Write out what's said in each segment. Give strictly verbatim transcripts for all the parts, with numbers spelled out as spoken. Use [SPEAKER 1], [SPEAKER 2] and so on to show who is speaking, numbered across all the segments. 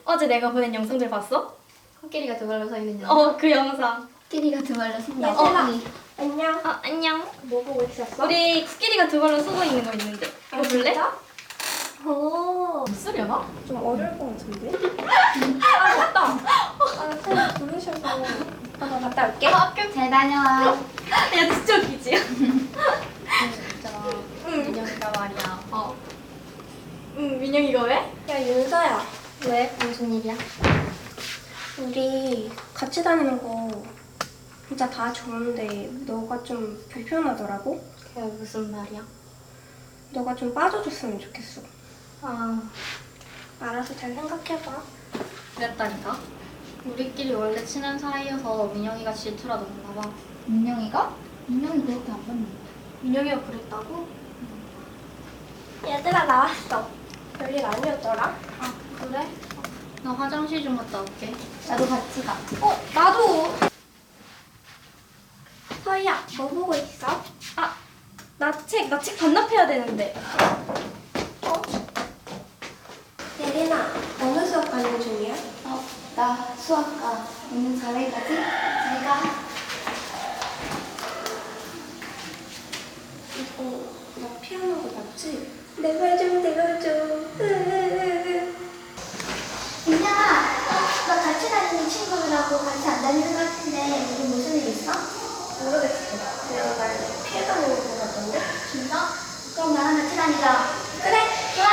[SPEAKER 1] 어제 내가 보낸 영상들 봤어?
[SPEAKER 2] 코끼리가 두 발로 서 있는 영상.
[SPEAKER 1] 어, 그 영상.
[SPEAKER 2] 코끼리가 두 발로 선다.
[SPEAKER 1] 어,
[SPEAKER 3] 안녕.
[SPEAKER 1] 아, 안녕.
[SPEAKER 3] 뭐 보고 있었어?
[SPEAKER 1] 우리 코끼리가 두 발로 서고 있는 거 있는데. 이거 볼래?
[SPEAKER 3] 오.
[SPEAKER 1] 쓰려나?
[SPEAKER 3] 좀 어려울 것 같은데? 아, 맞다. 아, 쌤 부르셔서 한번 갔다 올게.
[SPEAKER 1] 아, 학교.
[SPEAKER 2] 잘 다녀와.
[SPEAKER 1] 야, 진짜 웃기지?
[SPEAKER 2] 진짜
[SPEAKER 1] 응.
[SPEAKER 2] 민영이가 말이야.
[SPEAKER 1] 어. 응, 민영이가 왜?
[SPEAKER 3] 야, 윤서야.
[SPEAKER 2] 왜? 무슨 일이야?
[SPEAKER 3] 우리 같이 다니는 거 진짜 다 좋은데 너가 좀 불편하더라고?
[SPEAKER 2] 그게 무슨 말이야?
[SPEAKER 3] 너가 좀 빠져줬으면 좋겠어.
[SPEAKER 2] 아,
[SPEAKER 3] 알아서 잘 생각해봐.
[SPEAKER 2] 그랬다니까? 우리끼리 원래 친한 사이여서 민영이가 질투라도 했나 봐. 민영이가? 민영이 그렇게 안 봤는데.
[SPEAKER 1] 민영이가 그랬다고?
[SPEAKER 3] 얘들아, 나왔어. 별일 아니었더라?
[SPEAKER 2] 아, 그래? 나 화장실 좀 갔다 올게. 나도 같이 가.
[SPEAKER 3] 어, 나도. 서희야, 뭐 보고 있어?
[SPEAKER 1] 아, 나 책, 나 책 반납해야 되는데.
[SPEAKER 3] 어? 예린아, 어느 수업 가는 중이야?
[SPEAKER 2] 어, 나 수학과 오늘 잘해 가지? 잘 가.
[SPEAKER 3] 이거 나 피아노 거 맞지? 내 말 좀 들어줘.
[SPEAKER 2] 민영아, 너 같이 다니는 친구들하고 같이 안 다니는 것 같은데 우리 무슨 일 있어?
[SPEAKER 3] 모르겠어. 그냥 날 피해 다니는 거 같던데?
[SPEAKER 2] 진짜? 그럼 나랑 같이 다니자.
[SPEAKER 3] 그래, 좋아.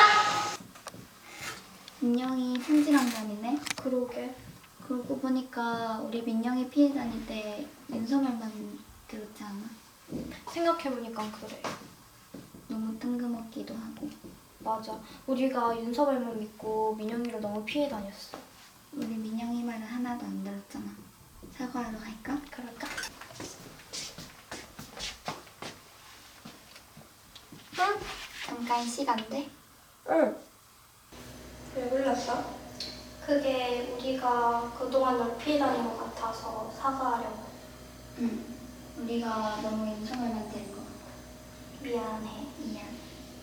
[SPEAKER 2] 민영이 순진한 년이네.
[SPEAKER 3] 그러게.
[SPEAKER 2] 그러고 보니까 우리 민영이 피해 다닐 때 윤서말만 들었지 않아?
[SPEAKER 1] 생각해보니까 그래.
[SPEAKER 2] 너무 뜬금없기도 하고.
[SPEAKER 1] 맞아. 우리가 윤서발만 믿고 민영이를 너무 피해 다녔어.
[SPEAKER 2] 우리 민영이 말은 하나도 안 들었잖아. 사과하러 갈까?
[SPEAKER 1] 그럴까?
[SPEAKER 2] 응. 잠깐 시간 돼?
[SPEAKER 3] 응. 왜 불렀어?
[SPEAKER 1] 그게 우리가 그동안 널 피해 다닌 것 같아서 사과하려고.
[SPEAKER 2] 응. 우리가 너무 윤서말만 들은 것 같아.
[SPEAKER 1] 미안해.
[SPEAKER 2] 미안.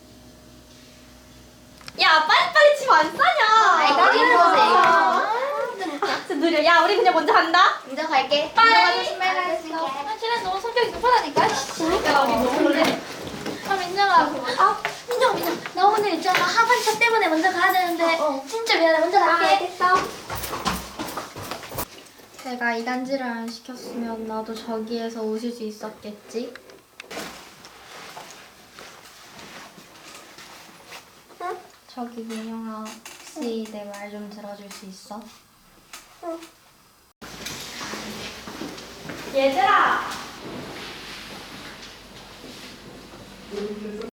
[SPEAKER 1] 야, 빨리빨리 집 안 싸냐?
[SPEAKER 2] 아이, 빨리
[SPEAKER 1] 아,
[SPEAKER 2] 들어오세요.
[SPEAKER 1] 진짜 느려. 야, 우리 그냥 먼저 간다.
[SPEAKER 2] 먼저 갈게.
[SPEAKER 1] 빨리.
[SPEAKER 2] 들어가서 신발 갈아입을게.
[SPEAKER 1] 아, 쟤는 너무 성격이 급하다니까. 야, 우리 너무 그래.
[SPEAKER 2] 아, 민정아. 아, 민정, 민정. 나 오늘 있잖아. 하반차 때문에 먼저 가야 되는데. 진짜 미안해. 먼저 갈게.
[SPEAKER 3] 알겠어.
[SPEAKER 1] 제가 이간질을 안 시켰으면 나도 저기에서 웃을 수 있었겠지?
[SPEAKER 3] 응?
[SPEAKER 1] 저기 민영아, 혹시 내 말 좀 들어줄 수 있어?
[SPEAKER 3] 응.
[SPEAKER 1] 얘들아!